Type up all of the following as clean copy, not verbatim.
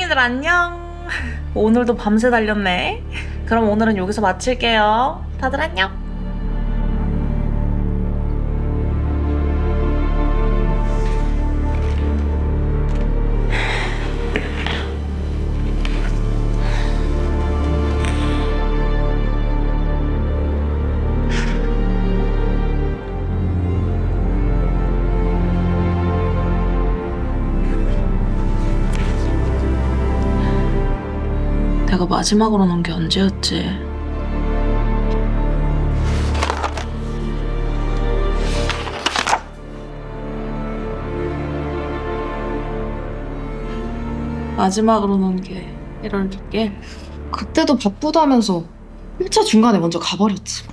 하영이들 안녕. 오늘도 밤새 달렸네. 그럼 오늘은 여기서 마칠게요. 다들 안녕. 내가 마지막으로 논 게 언제였지? 마지막으로 논 게 1월 6일? 그때도 바쁘다면서 1차 중간에 먼저 가버렸지.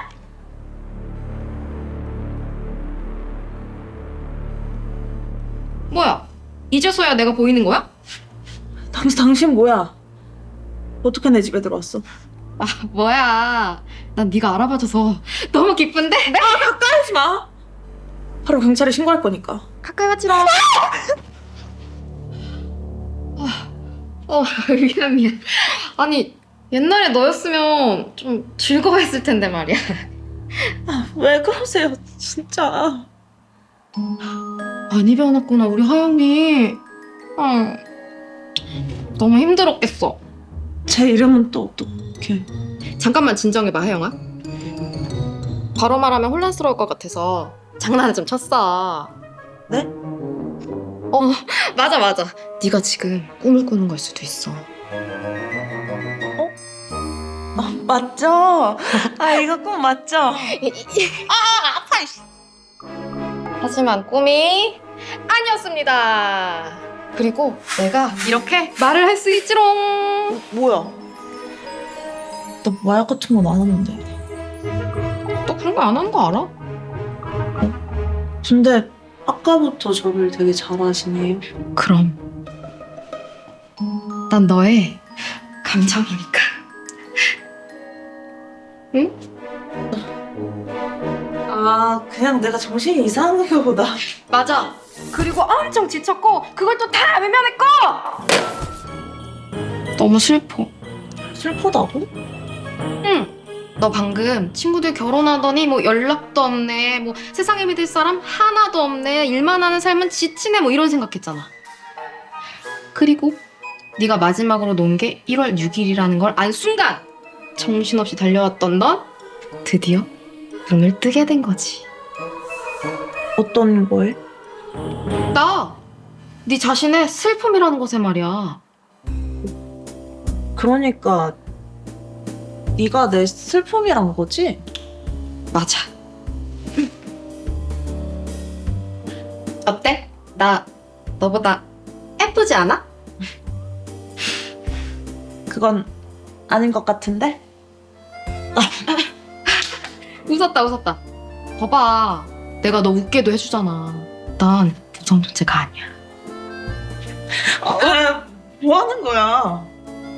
뭐야? 이제서야 내가 보이는 거야? 당신 뭐야? 어떻게 내 집에 들어왔어? 아, 뭐야. 난 네가 알아봐줘서 너무 기쁜데? 가까이 하지 마. 바로 경찰에 신고할 거니까. 가까이 왔지롱. 미안. 아니, 옛날에 너였으면 좀 즐거워했을 텐데 말이야. 왜 그러세요, 진짜. 많이 변했구나, 우리 하영이. 너무 힘들었겠어. 제 이름은 또 어떻게? 잠깐만 진정해봐, 하영아. 바로 말하면 혼란스러울 것 같아서 장난을 좀 쳤어. 네? 맞아. 네가 지금 꿈을 꾸는 걸 수도 있어. 맞죠? 이거 꼭 맞죠? 하지만 꿈이 아니었습니다. 그리고 내가 이렇게 말을 할 수 있지롱. 뭐야? 나 마약 같은 건 안 하는데. 너 그런 거 안 하는 거 알아? 근데 아까부터 저를 되게 잘하시네요. 그럼 난 너의 감정이니까. 응? 그냥 내가 정신이 이상한가 보다. 맞아. 그리고 엄청 지쳤고 그걸 또 다 외면했고. 너무 슬퍼. 슬프다고? 응. 너 방금 친구들 결혼하더니 뭐 연락도 없네, 뭐 세상에 믿을 사람 하나도 없네, 일만 하는 삶은 지치네, 뭐 이런 생각했잖아. 그리고 네가 마지막으로 논 게 1월 6일이라는 걸 안 순간 정신없이 달려왔던 넌 드디어 눈을 뜨게 된 거지. 어떤 거에? 네 자신의 슬픔이라는 것에 말이야. 그러니까 네가 내 슬픔이란 거지? 맞아. 어때? 나 너보다 예쁘지 않아? 그건 아닌 것 같은데? 웃었다. 봐봐. 내가 너 웃게도 해주잖아. 난 부정 존재가 아니야. 왜? 뭐 하는 거야?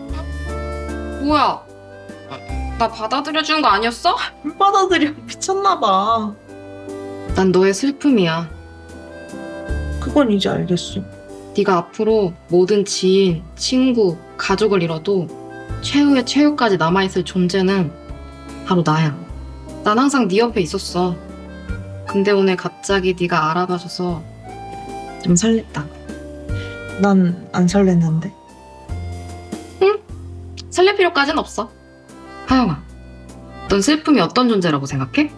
뭐야? 나 받아들여주는 거 아니었어? 안 받아들여. 미쳤나 봐. 난 너의 슬픔이야. 그건 이제 알겠어. 네가 앞으로 모든 지인, 친구, 가족을 잃어도 최후의 최후까지 남아있을 존재는 바로 나야. 난 항상 네 옆에 있었어. 근데 오늘 갑자기 네가 알아봐줘서 좀 설렜다. 난 안 설렜는데. 설렐 필요까진 없어. 하영아, 넌 슬픔이 어떤 존재라고 생각해?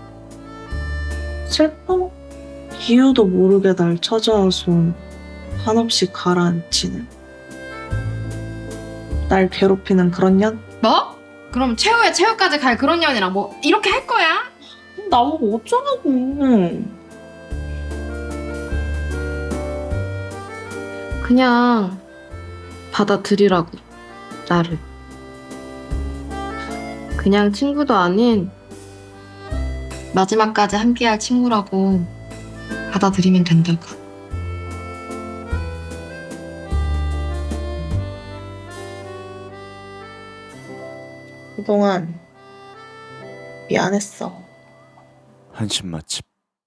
슬퍼? 이유도 모르게 날 찾아와서 한없이 가라앉히는, 날 괴롭히는 그런 년? 뭐? 그럼 최후의 최후까지 갈 그런 년이랑 뭐 이렇게 할 거야? 나보고 어쩌라고. 그냥 받아들이라고, 나를. 그냥 친구도 아닌 마지막까지 함께할 친구라고 받아들이면 된다고. 그동안 미안했어. 한식 맛집